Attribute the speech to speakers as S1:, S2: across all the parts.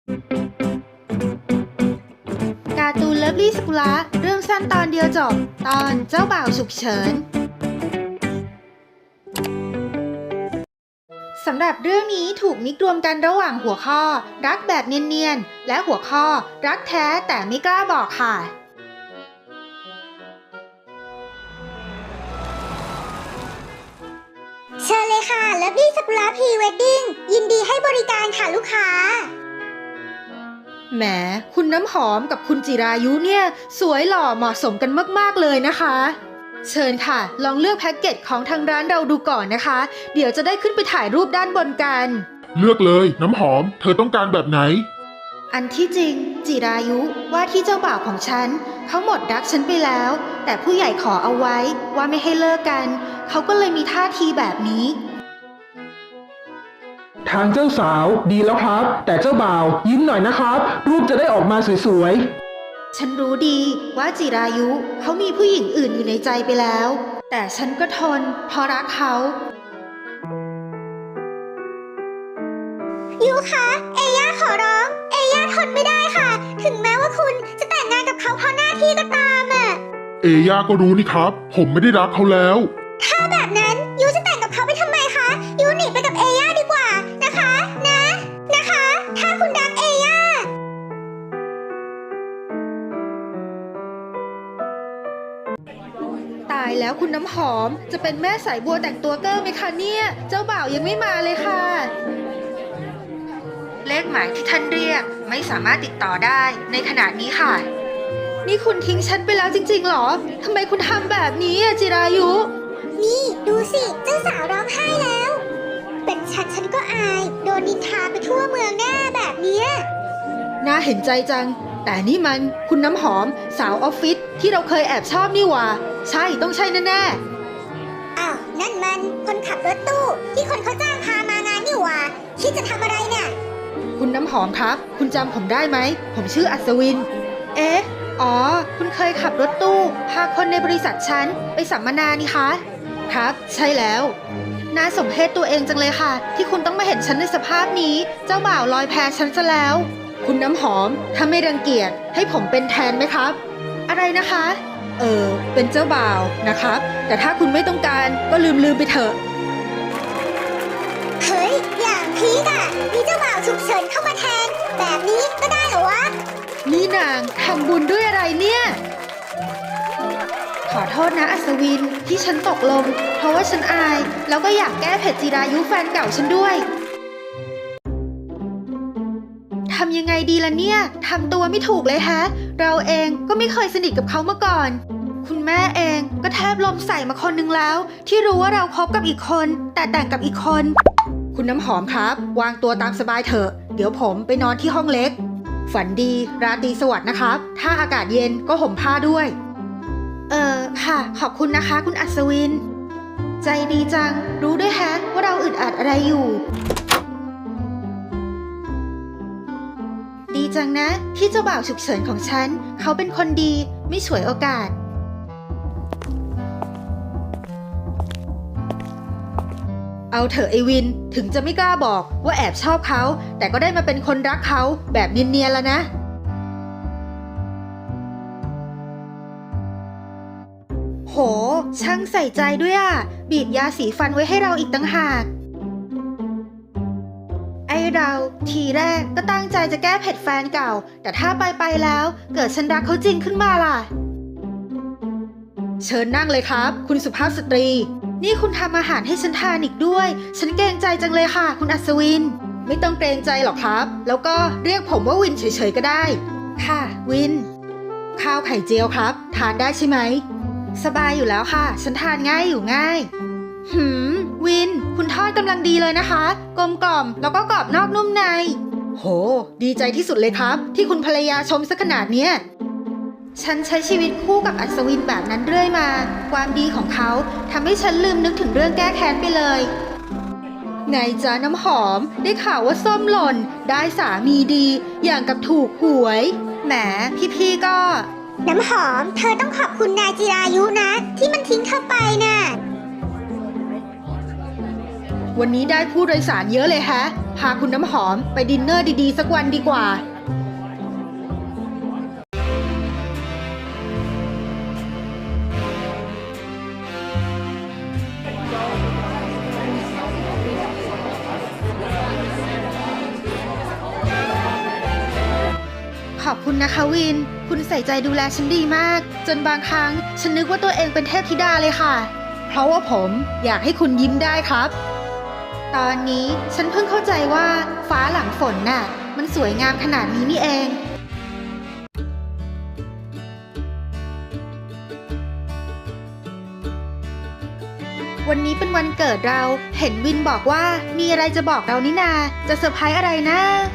S1: การ์ตูนเลิฟลี่สกุละเรื่องสั้นตอนเดียวจบตอนเจ้าบ่าวฉุกเฉินสำหรับเรื่องนี้ถูกมิกรวมกันระหว่างหัวข้อรักแบบเนียนๆและหัวข้อรักแท้แต่ไม่กล้าบอกค่ะ
S2: เชิญเลยค่ะเลิฟลี่สกุละพรีเวดดิ้งยินดีให้บริการค่ะลูกค้า
S1: แหมคุณน้ำหอมกับคุณจิรายุเนี่ยสวยหล่อเหมาะสมกันมากๆเลยนะคะเชิญค่ะลองเลือกแพ็กเกจของทางร้านเราดูก่อนนะคะเดี๋ยวจะได้ขึ้นไปถ่ายรูปด้านบนกัน
S3: เลือกเลยน้ำหอมเธอต้องการแบบไหน
S1: อันที่จริงจิรายุว่าที่เจ้าบ่าวของฉันเขาหมดรักฉันไปแล้วแต่ผู้ใหญ่ขอเอาไว้ว่าไม่ให้เลิกกันเขาก็เลยมีท่าทีแบบนี้
S4: ทางเจ้าสาวดีแล้วครับแต่เจ้าบ่าวยิ้มหน่อยนะครับรูปจะได้ออกมาสวย
S1: ฉันรู้ดีว่าจิรายุเขามีผู้หญิงอื่นอยู่ในใจไปแล้วแต่ฉันก็ทนเพราะรักเขา
S2: ยูคะเอย่าขอร้องเอย่าทนไม่ได้ค่ะถึงแม้ว่าคุณจะแต่งงานกับเขาเพราะหน้าที่ก็ตาม
S3: เอย่าก็รู้นี่ครับผมไม่ได้รักเขาแล้ว
S2: ถ้าแบบนั้นยูจะแต่งกับเขาไปทำไมคะยูหนีไปกับเอย่าดีกว่านะคะนะคะถ้าคุณรักเอย่า
S1: ตายแล้วคุณน้ำหอมจะเป็นแม่สายบัวแต่งตัวเกอร์ไหมคะเนี่ยเจ้าบ่าวยังไม่มาเลยค่ะเลขหมายที่ท่านเรียกไม่สามารถติดต่อได้ในขณะนี้ค่ะนี่คุณทิ้งฉันไปแล้วจริงๆหรอทำไมคุณทำแบบนี้จิรายุ
S2: นี่ดูสิเจ้าสาวร้องไห้แล้วเป็นฉันก็อายโดนนินทาไปทั่วเมืองแน่แบบนี้
S1: น่าเห็นใจจังแต่นี่มันคุณน้ำหอมสาวออฟฟิศที่เราเคยแอบชอบนี่หว่าใช่ต้องใช่แน่
S2: ๆอ้าวนั่นมันคนขับรถตู้ที่คนเขาจ้างพามางานนี่หว่าคิดจะทำอะไรเนี่ย
S1: คุณน้ำหอมครับคุณจำผมได้ไหมผมชื่ออัศวินอ๋อคุณเคยขับรถตู้พาคนในบริษัทฉันไปสัมมนานี่คะครับใช่แล้วน่าสมเพชตัวเองจังเลยค่ะที่คุณต้องมาเห็นฉันในสภาพนี้เจ้าบ่าวลอยแพฉันซะแล้วคุณน้ำหอมถ้าไม่รังเกียจให้ผมเป็นแทนไหมครับอะไรนะคะเป็นเจ้าบ่าวนะครับแต่ถ้าคุณไม่ต้องการก็ลืมไปเถอะ
S2: เฮ้ยอย่างพีกอะมีเจ้าบ่าวฉุกเฉินเข้ามาแทนแบบนี้ก็ได้เหรอวะ
S1: นี่นางทำบุญด้วยอะไรเนี่ยขอโทษนะอัศวินที่ฉันตกลงเพราะว่าฉันอายแล้วก็อยากแก้เผ็ดจิรายุแฟนเก่าฉันด้วยทำยังไงดีล่ะเนี่ยทำตัวไม่ถูกเลยฮะเราเองก็ไม่เคยสนิทกับเขามาก่อนคุณแม่เองก็แทบลมใส่มาคนนึงแล้วที่รู้ว่าเราคบกับอีกคนแต่แต่งกับอีกคนคุณน้ำหอมครับวางตัวตามสบายเถอะเดี๋ยวผมไปนอนที่ห้องเล็กฝันดีราตรีสวัสดิ์นะครับถ้าอากาศเย็นก็ห่มผ้าด้วยค่ะขอบคุณนะคะคุณอัศวินใจดีจังรู้ด้วยแฮะว่าเราอึดอัดอะไรอยู่ดีจังนะที่เจ้าบ่าวฉุกเฉินของฉันเขาเป็นคนดีไม่ฉวยโอกาสเอาเถอะไอวินถึงจะไม่กล้าบอกว่าแอบชอบเขาแต่ก็ได้มาเป็นคนรักเขาแบบเนียนๆแล้วนะโหช่างใส่ใจด้วยอ่ะบีบยาสีฟันไว้ให้เราอีกต่างหากไอเราทีแรกก็ตั้งใจจะแก้เผ็ดแฟนเก่าแต่ถ้าไปแล้วเกิดฉันรักเขาจริงขึ้นมาล่ะเชิญนั่งเลยครับคุณสุภาพสตรีนี่คุณทำอาหารให้ฉันทานอีกด้วยฉันเกรงใจจังเลยค่ะคุณอัศวินไม่ต้องเกรงใจหรอกครับแล้วก็เรียกผมว่าวินเฉยๆก็ได้ค่ะวินข้าวไข่เจียวครับทานได้ใช่ไหมสบายอยู่แล้วค่ะฉันทานง่ายอยู่ง่ายวินคุณทอดกำลังดีเลยนะคะกลมกล่อมแล้วก็กรอบนอกนุ่มในโหดีใจที่สุดเลยครับที่คุณภรรยาชมซะขนาดเนี้ยฉันใช้ชีวิตคู่กับอัศวินแบบนั้นเรื่อยมาความดีของเขาทำให้ฉันลืมนึกถึงเรื่องแก้แค้นไปเลยไงจ๊ะน้ำหอมได้ข่าวว่าส้มหล่นได้สามีดีอย่างกับถูกหวยแหมพี่ๆก็
S2: น้ำหอมเธอต้องขอบคุณนายจิรายุนะที่มันทิ้งเธอไปน่ะ
S1: วันนี้ได้ผู้โดยสารเยอะเลยฮะ พาคุณน้ำหอมไปดินเนอร์ดีๆสักวันดีกว่า ขอบคุณนะคะวิน คุณใส่ใจดูแลฉันดีมาก จนบางครั้งฉันนึกว่าตัวเองเป็นเทพธิดาเลยค่ะ เพราะว่าผมอยากให้คุณยิ้มได้ครับ ตอนนี้ฉันเพิ่งเข้าใจว่าฟ้าหลังฝนน่ะ มันสวยงามขนาดนี้นี่เอง วันนี้เป็นวันเกิดเรา เห็นวินบอกว่ามีอะไรจะบอกเรานี่นา จะเซอร์ไพรส์อะไรนะ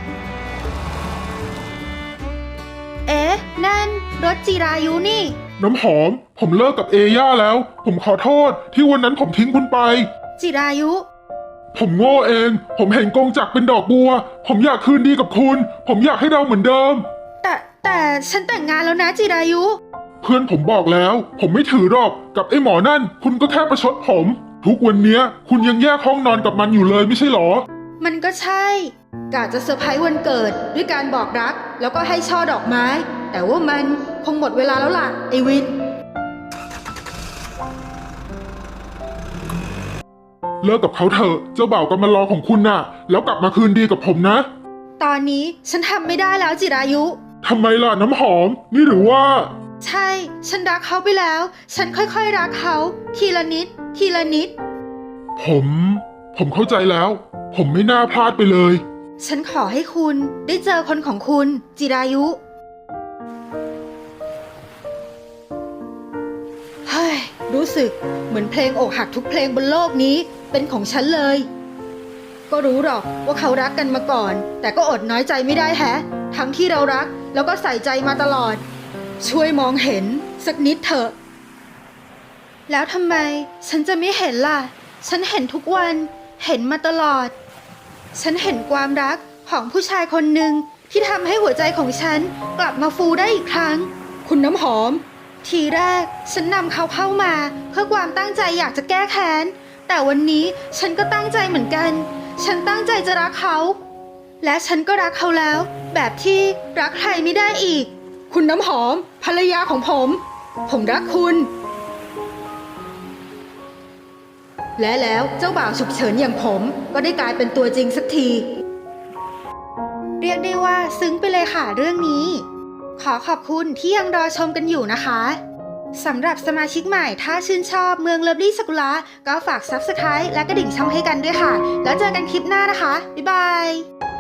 S1: เอ๊ะ นั่นรถจิรายุนี่
S3: น้ำหอม ผมเลิกกับเอย่าแล้ว ผมขอโทษที่วันนั้นผมทิ้งคุณไป
S1: จิรายุ
S3: ผมโง่เอง ผมเห็นกงจักรเป็นดอกบัว ผมอยากคืนดีกับคุณ ผมอยากให้เราเหมือนเดิม
S1: แต่ฉันแต่งงานแล้วนะจิรายุ
S3: เพื่อนผมบอกแล้ว ผมไม่ถือหรอกกับไอ้หมอนั่น คุณก็แค่ประชดผม ทุกวันเนี้ย คุณยังแยกห้องนอนกับมันอยู่เลยไม่ใช่หรอ
S1: มันก็ใช่กะจะเซอร์ไพรส์วันเกิดด้วยการบอกรัก แล้วก็ให้ช่อดอกไม้ แต่ว่ามันคงหมดเวลาแล้วล่ะไอวิน
S3: เลิกกับเขาเถอะเจ้าบ่าวกำมารอของคุณน่ะ แล้วกลับมาคืนดีกับผมนะ
S1: ตอนนี้ฉันทำไม่ได้แล้วจิรายุ
S3: ทำไมล่ะน้ำหอม นี่หรือว่า
S1: ใช่ ฉันรักเขาไปแล้ว ฉันค่อยๆรักเขา ทีละนิด ทีละนิด
S3: ผมเข้าใจแล้ว ผมไม่น่าพลาดไปเลย
S1: ฉันขอให้คุณได้เจอคนของคุณจิรายุ เฮ้ย รู้สึกเหมือนเพลงอกหักทุกเพลงบนโลกนี้เป็นของฉันเลย ก็รู้หรอกว่าเขารักกันมาก่อน แต่ก็อดน้อยใจไม่ได้แฮะ ทั้งที่เรารักแล้วก็ใส่ใจมาตลอด ช่วยมองเห็นสักนิดเถอะ แล้วทำไมฉันจะไม่เห็นล่ะ ฉันเห็นทุกวัน เห็นมาตลอด ฉันเห็นความรักของผู้ชายคนหนึ่งที่ทำให้หัวใจของฉันกลับมาฟูได้อีกครั้ง คุณน้ำหอม ทีแรกฉันนำเขาเข้ามาเพื่อความตั้งใจอยากจะแก้แค้น แต่วันนี้ฉันก็ตั้งใจเหมือนกัน ฉันตั้งใจจะรักเขา และฉันก็รักเขาแล้ว แบบที่รักใครไม่ได้อีก คุณน้ำหอม ภรรยาของผมรักคุณ และแล้วเจ้าบ่าวฉุกเฉินอย่างผมก็ได้กลายเป็นตัวจริงสักที เรียกได้ว่าซึ้งไปเลยค่ะเรื่องนี้ ขอขอบคุณที่ยังรอชมกันอยู่นะคะสำหรับสมาชิกใหม่ถ้าชื่นชอบเมืองเลิฟลี่สกุละก็ฝาก Subscribe และกระดิ่งช่องให้กันด้วยค่ะ แล้วเจอกันคลิปหน้านะคะ บ๊ายบาย